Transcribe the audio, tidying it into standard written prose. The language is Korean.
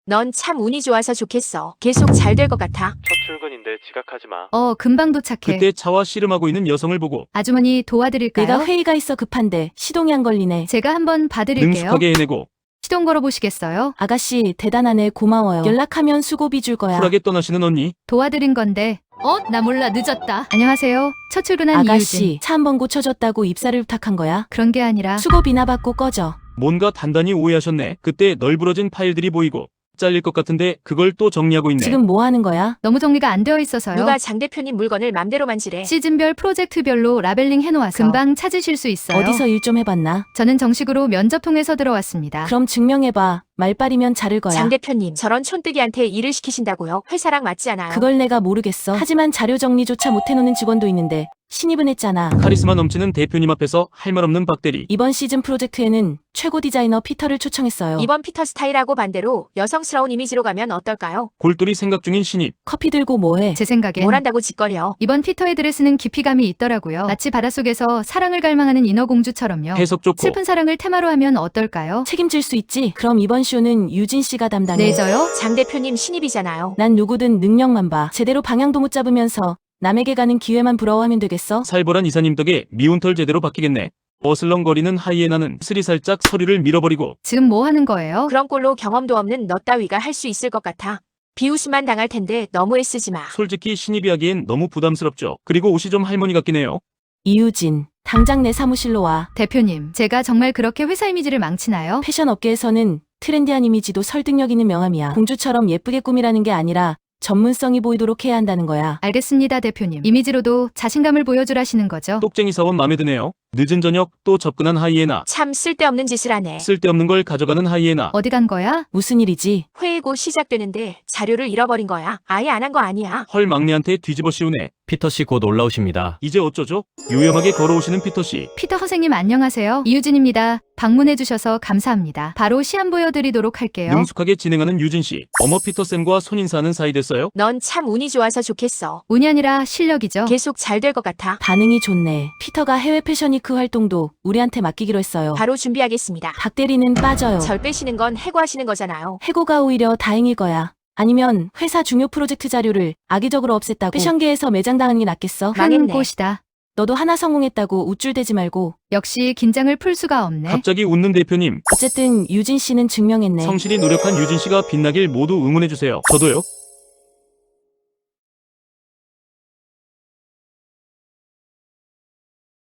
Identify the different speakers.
Speaker 1: 넌 참 운이 좋아서 좋겠어. 계속 잘 될 것 같아.
Speaker 2: 첫 출근인데 지각하지 마.
Speaker 3: 금방 도착해.
Speaker 4: 그때 차와 씨름하고 있는 여성을 보고
Speaker 3: 아주머니 도와드릴까요?
Speaker 5: 내가 회의가 있어 급한데 시동이 안 걸리네.
Speaker 3: 제가 한번 봐드릴게요.
Speaker 4: 능숙하게 해내고
Speaker 3: 시동 걸어보시겠어요?
Speaker 5: 아가씨 대단하네. 고마워요. 연락하면 수고비 줄 거야.
Speaker 4: 쿨하게 떠나시는 언니.
Speaker 3: 도와드린 건데. 나 몰라 늦었다. 안녕하세요. 첫 출근한
Speaker 5: 아가씨
Speaker 3: 이유진.
Speaker 5: 차 한 번 고쳐줬다고 입사를 부탁한 거야?
Speaker 3: 그런 게 아니라
Speaker 5: 수고비나 받고 꺼져.
Speaker 4: 뭔가 단단히 오해하셨네. 그때 널브러진 파일들이 보이고 잘릴 것 같은데 그걸 또 정리하고 있네.
Speaker 5: 지금 뭐 하는 거야?
Speaker 3: 너무 정리가 안 되어 있어서요.
Speaker 1: 누가 장 대표님 물건을 맘대로 만지래.
Speaker 3: 시즌별 프로젝트별로 라벨링 해놓아서 금방 찾으실 수 있어요.
Speaker 5: 어디서 일 좀 해봤나?
Speaker 3: 저는 정식으로 면접 통해서 들어왔습니다.
Speaker 5: 그럼 증명해봐. 말빨이면 자를 거야.
Speaker 1: 장 대표님, 저런 촌뜨기한테 일을 시키신다고요? 회사랑 맞지 않아요?
Speaker 5: 그걸 내가 모르겠어. 하지만 자료 정리조차 못해놓는 직원도 있는데 신입은 했잖아.
Speaker 4: 카리스마 넘치는 대표님 앞에서 할 말 없는 박대리.
Speaker 5: 이번 시즌 프로젝트에는 최고 디자이너 피터를 초청했어요.
Speaker 1: 이번 피터 스타일하고 반대로 여성스러운 이미지로 가면 어떨까요?
Speaker 4: 골똘히 생각 중인 신입.
Speaker 5: 커피 들고 뭐해?
Speaker 3: 제 생각엔
Speaker 1: 뭘 한다고 짓거려.
Speaker 3: 이번 피터의 드레스는 깊이감이 있더라고요. 마치 바닷속에서 사랑을 갈망하는 인어공주처럼요.
Speaker 4: 해석 좋고
Speaker 3: 슬픈 사랑을 테마로 하면 어떨까요?
Speaker 5: 책임질 수 있지? 그럼 이번 쇼는 유진 씨가 담당해.
Speaker 3: 네, 저요?
Speaker 1: 장 대표님 신입이잖아요.
Speaker 5: 난 누구든 능력만 봐. 제대로 방향도 못 잡으면서 남에게 가는 기회만 부러워하면 되겠어?
Speaker 4: 살벌한 이사님 덕에 미운 털 제대로 박히겠네. 어슬렁거리는 하이에나는 스리 살짝 서류를 밀어버리고
Speaker 3: 지금 뭐 하는 거예요?
Speaker 1: 그런 꼴로 경험도 없는 너 따위가 할 수 있을 것 같아. 비웃음만 당할 텐데 너무 애쓰지 마.
Speaker 4: 솔직히 신입이 하기엔 너무 부담스럽죠. 그리고 옷이 좀 할머니 같긴 해요.
Speaker 5: 이유진, 당장 내 사무실로 와.
Speaker 3: 대표님, 제가 정말 그렇게 회사 이미지를 망치나요?
Speaker 5: 패션 업계에서는 트렌디한 이미지도 설득력 있는 명함이야. 공주처럼 예쁘게 꾸미라는 게 아니라 전문성이 보이도록 해야 한다는 거야.
Speaker 3: 알겠습니다, 대표님. 이미지로도 자신감을 보여주라시는 거죠?
Speaker 4: 똑쟁이 사원 맘에 드네요. 늦은 저녁 또 접근한 하이에나.
Speaker 1: 참 쓸데없는 짓을 하네.
Speaker 4: 쓸데없는 걸 가져가는 하이에나.
Speaker 3: 어디 간 거야?
Speaker 5: 무슨 일이지?
Speaker 1: 회의 곧 시작되는데 자료를 잃어버린 거야. 아예 안 한 거 아니야.
Speaker 4: 헐 막내한테 뒤집어 씌우네.
Speaker 6: 피터씨 곧 올라오십니다.
Speaker 4: 이제 어쩌죠? 요염하게 걸어오시는 피터씨.
Speaker 3: 피터 선생님 안녕하세요. 이유진입니다. 방문해주셔서 감사합니다. 바로 시안 보여드리도록 할게요.
Speaker 4: 능숙하게 진행하는 유진씨. 어머 피터쌤과 손인사하는 사이 됐어요?
Speaker 1: 넌 참 운이 좋아서 좋겠어.
Speaker 3: 운이 아니라 실력이죠.
Speaker 1: 계속 잘 될 것 같아.
Speaker 5: 반응이 좋네. 피터가 해외 패션위크 활동도 우리한테 맡기기로 했어요.
Speaker 1: 바로 준비하겠습니다.
Speaker 5: 박 대리는 빠져요.
Speaker 1: 절 빼시는 건 해고하시는 거잖아요.
Speaker 5: 해고가 오히려 다행일 거야. 아니면 회사 중요 프로젝트 자료를 악의적으로 없앴다고 패션계에서 매장당하는 게 낫겠어?
Speaker 3: 큰
Speaker 1: 망했네.
Speaker 3: 곳이다.
Speaker 5: 너도 하나 성공했다고 우쭐대지 말고.
Speaker 3: 역시 긴장을 풀 수가 없네.
Speaker 4: 갑자기 웃는 대표님.
Speaker 5: 어쨌든 유진 씨는 증명했네.
Speaker 4: 성실히 노력한 유진씨가 빛나길 모두 응원해주세요. 저도요.